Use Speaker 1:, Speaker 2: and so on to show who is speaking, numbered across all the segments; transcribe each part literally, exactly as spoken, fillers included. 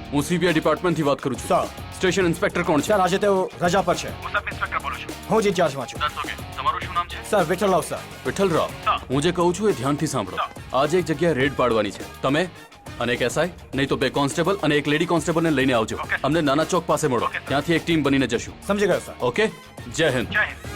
Speaker 1: હું સીબીઆઈ ડિપાર્ટમેન્ટથી વાત કરું છું.
Speaker 2: સર.
Speaker 1: સ્ટેશન ઇન્સ્પેક્ટર કોણ છે?
Speaker 2: સર આજે તેઓ રજા પર છે.
Speaker 3: હું સબ ઇન્સ્પેક્ટર બોલું છું.
Speaker 2: હું જ ઇન્ચાર્જમાં છું.
Speaker 3: દસ ઓકે. તમારું શું નામ છે?
Speaker 2: Sir વિઠ્ઠલરાવ sir.
Speaker 1: વિઠ્ઠલરાવ, હું જે કહું છું એ ધ્યાનથી સાંભળો. આજે એક જગ્યાએ રેડ પાડવાની છે. તમે અને એક એસઆઈ, નહીં તો બે કોન્સ્ટેબલ અને એક લેડી કોન્સ્ટેબલને લઈને આવજો. અમને નાના ચોક પાસે મળો. ત્યાંથી એક ટીમ બનીને જશું.
Speaker 2: સમજી ગયો સર.
Speaker 1: ઓકે, જય હિન્દ.
Speaker 3: જય હિન્દ.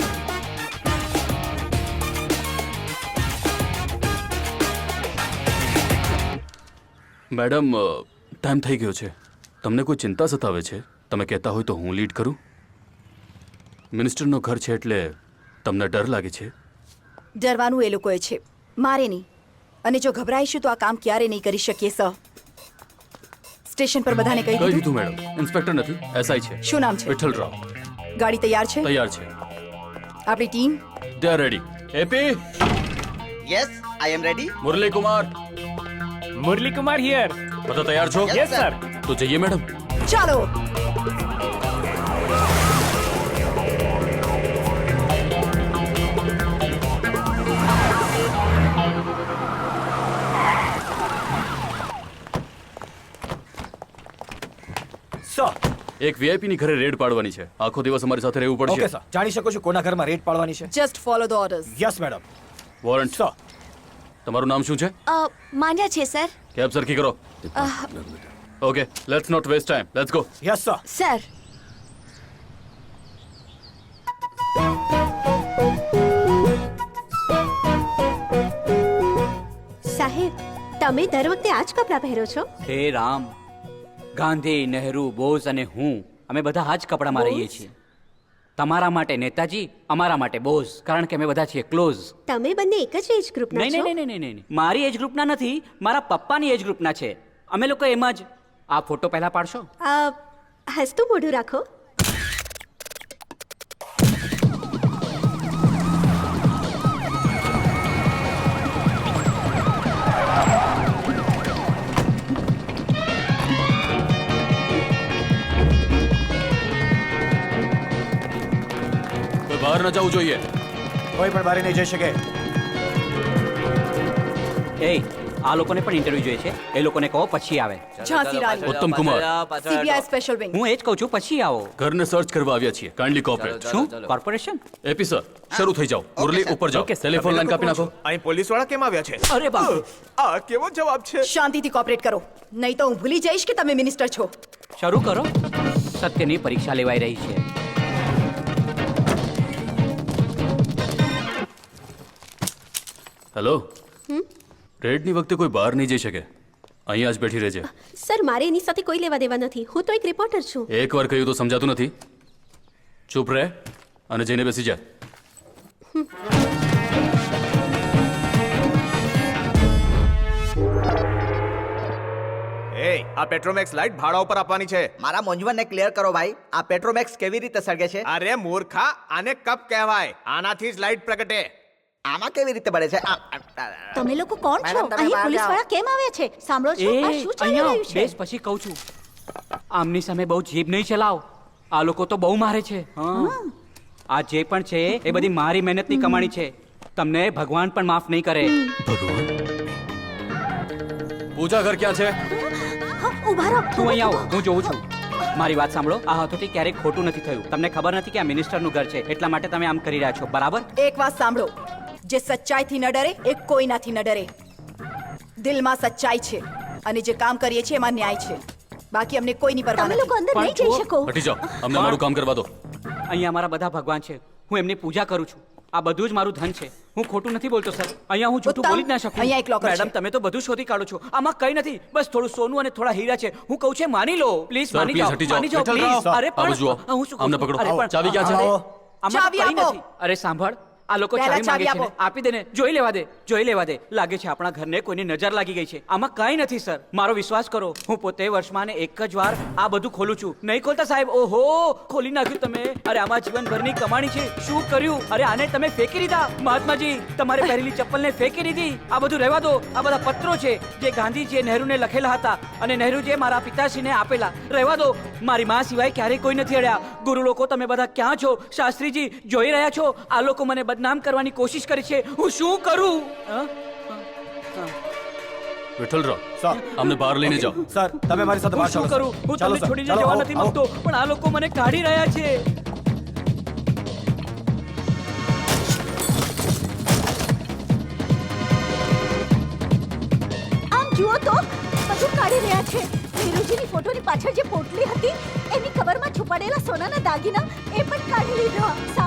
Speaker 1: મેડમ, ટાઈમ થઈ ગયો છે. તમને કોઈ ચિંતા સતાવે છે? તમે કહેતા હોય તો હું લીડ કરું. મિનિસ્ટરનો ઘર છે એટલે તમને ડર લાગે છે?
Speaker 4: ડરવાનું એ લોકોએ છે, મારે નહીં. અને જો ગભરાઈશું તો આ કામ ક્યારે નહીં કરી શકીએ સર. સ્ટેશન પર બધાને કહી
Speaker 1: કહી
Speaker 4: દીધું?
Speaker 1: દીધું મેડમ. ઇન્સ્પેક્ટર નથી, એસઆઈ છે.
Speaker 4: શું નામ છે?
Speaker 1: વિઠ્ઠલરાવ.
Speaker 4: ગાડી તૈયાર છે?
Speaker 1: તૈયાર છે.
Speaker 4: આપણી ટીમ?
Speaker 1: They are ready. એપી,
Speaker 5: Yes, I am ready.
Speaker 1: Murali Kumar,
Speaker 6: Murali Kumar here.
Speaker 1: બધા તૈયાર છો?
Speaker 6: Yes sir.
Speaker 1: તો જઈએ મેડમ.
Speaker 4: ચાલો.
Speaker 2: સર.
Speaker 1: એક વીઆઈપી ની ઘરે રેડ પાડવાની છે. આખો દિવસ અમારી સાથે રહેવું
Speaker 2: ઓકે
Speaker 1: પડશે.
Speaker 2: સર. જાણી શકો છો કોના ઘરમાં રેડ પાડવાની છે?
Speaker 4: Just follow the orders.
Speaker 2: Yes madam.
Speaker 1: Warrant.
Speaker 2: Sir.
Speaker 1: તમારું નામ શું છે?
Speaker 7: માન્યા છે સર.
Speaker 1: કેબ સરખી કરો. Okay, let's not waste time. Let's go.
Speaker 2: Yes sir.
Speaker 7: Sir સાહેબ, તમે દર વખતે આ જ કપડાં પહેરો છો?
Speaker 8: હે રામ, ગાંધી, નહેરુ, બોઝ અને હું અમે બધા આ જ કપડામાં રહીએ છીએ. તમારા માટે નેતાજી, અમારા માટે બોઝ, કારણ કે અમે બધા છીએ ક્લોઝ.
Speaker 7: તમે બંને એક જ એજ ગ્રુપના
Speaker 8: નહીં
Speaker 7: છો?
Speaker 8: નહીં નહીં નહીં નહીં મારી એજ ગ્રુપના નથી, મારા પપ્પાની એજ ગ્રુપના છે. અમે લોકો એમ જ. આ ફોટો પહેલા પાડશો?
Speaker 7: અ, હસતું મોઢું રાખો.
Speaker 1: કોઈ બહાર ન જવું જોઈએ.
Speaker 2: કોઈ પણ બારે નહીં જઈ શકે.
Speaker 8: એ આ લોકોને પણ ઇન્ટરવ્યુ જોઈએ છે. એ લોકોને કહો પછી આવે.
Speaker 4: ઝાંસી રાણી,
Speaker 1: ઉત્તમ કુમાર,
Speaker 4: સીબીઆઈ સ્પેશિયલ વિંગ.
Speaker 8: હું એ જ કહું છું, પછી આવો.
Speaker 1: ઘરને સર્ચ કરવા આવ્યા છીએ. Kindly cooperate.
Speaker 8: શું કોર્પોરેશન?
Speaker 1: એપી સર, શરૂ થઈ જાઓ. મુરલી ઉપર જાઓ. ટેલિફોન લાઈન કાપી નાખો.
Speaker 6: અહીં પોલીસ વાળા કેમ આવ્યા છે?
Speaker 8: અરે બાપ,
Speaker 6: આ કેવો જવાબ છે?
Speaker 4: શાંતિથી કોઓપરેટ કરો, નહીં તો હું ભૂલી જઈશ કે તમે મિનિસ્ટર છો.
Speaker 8: શરૂ કરો. સત્યની પરીક્ષા લેવાઈ રહી છે.
Speaker 1: હેલો. રેડની વખતે કોઈ બહાર નહીં જઈ શકે. અહીંયા જ બેઠી રહેજે.
Speaker 7: સર, મારે એની સાથે કોઈ લેવા દેવા નથી. હું તો એક રિપોર્ટર છું.
Speaker 1: એકવાર કહ્યું તો સમજાતું નથી. ચૂપ રહે અને જઈને બેસી જા.
Speaker 6: એ આ પેટ્રોમેક્સ લાઈટ ભાડા ઉપર આપવાની છે.
Speaker 5: મારા મૂંઝવણને ક્લિયર કરો ભાઈ. આ પેટ્રોમેક્સ કેવી રીતે સળગે છે?
Speaker 6: અરે મૂર્ખા, આને કપ કહેવાય. આનાથી જ લાઈટ પ્રગટે.
Speaker 5: આમાં કેવી રીતે બળે છે? આ- આ-
Speaker 7: તમે લોકો કોણ છો?
Speaker 5: મેડમ, તમે
Speaker 7: અહીં
Speaker 5: બહાર
Speaker 7: પોલીસ
Speaker 5: જાઓ.
Speaker 7: વાળા કેમ આવ્યા છે? સાંભળો છો, આ
Speaker 8: એ
Speaker 7: શું ચાલી
Speaker 8: અહીંયા
Speaker 7: રહ્યું છે?
Speaker 8: બેસ, પછી કહું છું. આમની સામે બહુ જીભ નહીં ચલાવ. આ લોકો તો બહુ મારે છે. હા. આ જે પણ છે એ બધી મારી મહેનતની કમાણી છે. તમને ભગવાન પણ માફ નહીં કરે.
Speaker 1: ભગવાન. પૂજા ઘર ક્યાં છે?
Speaker 7: હા, ઊભા રહો.
Speaker 8: તું અહીં આવો, હું જોઉં છું. મારી વાત સાંભળો. આ હથોથી ક્યારેક ખોટું નથી થયું. તમને ખબર નથી કે આ મિનિસ્ટરનું ઘર છે, એટલા માટે તમે આમ કરી રહ્યા છો, બરાબર?
Speaker 4: એક વાત સાંભળો, જે સચ્ચાઈથી ન ડરે એ કોઈનાથી ન ડરે. દિલમાં સચ્ચાઈ છે અને જે કામ કરીએ છીએ એમાં ન્યાય છે. બાકી અમને કોઈની પરવા
Speaker 7: તમે લોકો
Speaker 4: નથી.
Speaker 7: અંદર નહીં જઈ શકો.
Speaker 1: હટી જાઓ. અમને અમારું કામ કરવા દો.
Speaker 8: અહીંયા મારા બધા ભગવાન છે. હું એમની પૂજા કરું છું. આ બધું જ મારું ધન છે. હું ખોટું નથી બોલતો સર. અહીંયા હું જૂઠું
Speaker 4: ઉત્તમ,
Speaker 8: બોલી જ ના શકું.
Speaker 4: અહીંયા એક locker
Speaker 8: મેડમ,
Speaker 4: છે.
Speaker 8: તમે તો બધું શોધી કાઢો છો. આમાં કઈ નથી, બસ થોડું સોનું અને થોડા હીરા છે. હું કહું છું માની લો પ્લીઝ.
Speaker 1: સર,
Speaker 8: માની
Speaker 1: please
Speaker 8: જાઓ,
Speaker 1: હટી જાઓ.
Speaker 8: માની જાઓ
Speaker 1: વિઠ્ઠલરાવ,
Speaker 8: please. અરે
Speaker 1: આ બાજુ
Speaker 8: પણ
Speaker 1: આવો.
Speaker 8: હું શું કહું
Speaker 1: આમને
Speaker 8: છું?
Speaker 1: પકડો.
Speaker 8: અરે પણ
Speaker 1: ચાવી ક્યાં છે?
Speaker 2: આવો.
Speaker 8: આમાં
Speaker 4: ચાવી
Speaker 8: કંઈ
Speaker 4: આપો.
Speaker 8: નથી. અરે સાંભળ, આ લોકો
Speaker 4: પહેલા
Speaker 8: ચાવી માંગે
Speaker 4: ચાવી
Speaker 8: છે ને.
Speaker 4: આપો.
Speaker 8: આપી દે ને. જોઈ લેવા દે, જોઈ લેવા દે. લાગે છે આપણા ઘરને કોઈની નજર લાગી ગઈ છે. આમાં કાંઈ નથી સર, મારો વિશ્વાસ કરો. હું પોતે વર્ષમાં ને એક જ વાર આ બધું ખોલું છું. નહીં ખોલતા સાહેબ? ઓહો, ખોલી નાખ્યું તમે. અરે આમાં જીવનભરની કમાણી છે. શું કર્યું? અરે આને તમે ફેંકી દીધા. મહાત્માજી, તમારે પહેરેલી ચપ્પલને ફેંકી દીધી. આ બધું રહેવા દો. આ બધા પત્રો છે જે ગાંધીજીએ નહેરુને લખેલા હતા અને નહેરુજીએ મારા પિતાશ્રીને આપેલા. રહેવા દો. મારી માં સિવાય ક્યારેય કોઈ નથી અડ્યા. ગુરુ લોકો, તમે બધા ક્યાં છો? શાસ્ત્રીજી, જોઈ રહ્યા છો? આ લોકો મને બદનામ કરવાની કોશિશ કરી છે. હું શું કરું? હા? હા. હા.
Speaker 1: વિઠ્ઠલરાવ
Speaker 2: સર
Speaker 1: અમને બહાર લઈને જાઓ.
Speaker 2: સર તમે મારી સાથે
Speaker 8: હું
Speaker 2: બહાર
Speaker 8: શું
Speaker 2: ચાલો
Speaker 8: કરું
Speaker 2: સર.
Speaker 8: હું
Speaker 2: ચાલો
Speaker 8: તમને
Speaker 2: સર.
Speaker 8: છોડીને
Speaker 2: ચાલો,
Speaker 8: જવા
Speaker 2: આવો,
Speaker 8: નથી
Speaker 2: આવો.
Speaker 8: માંગતો પણ આ લોકો મને કાઢી રહ્યા છે.
Speaker 7: આમ જુઓ તો બધું કાઢી રહ્યા છે. વીરુજીની ફોટોની પાછળ જે પોટલી હતી એની કવરમાં છુપાડેલા સોનાના દાગીના એ પણ કાઢી લીધા.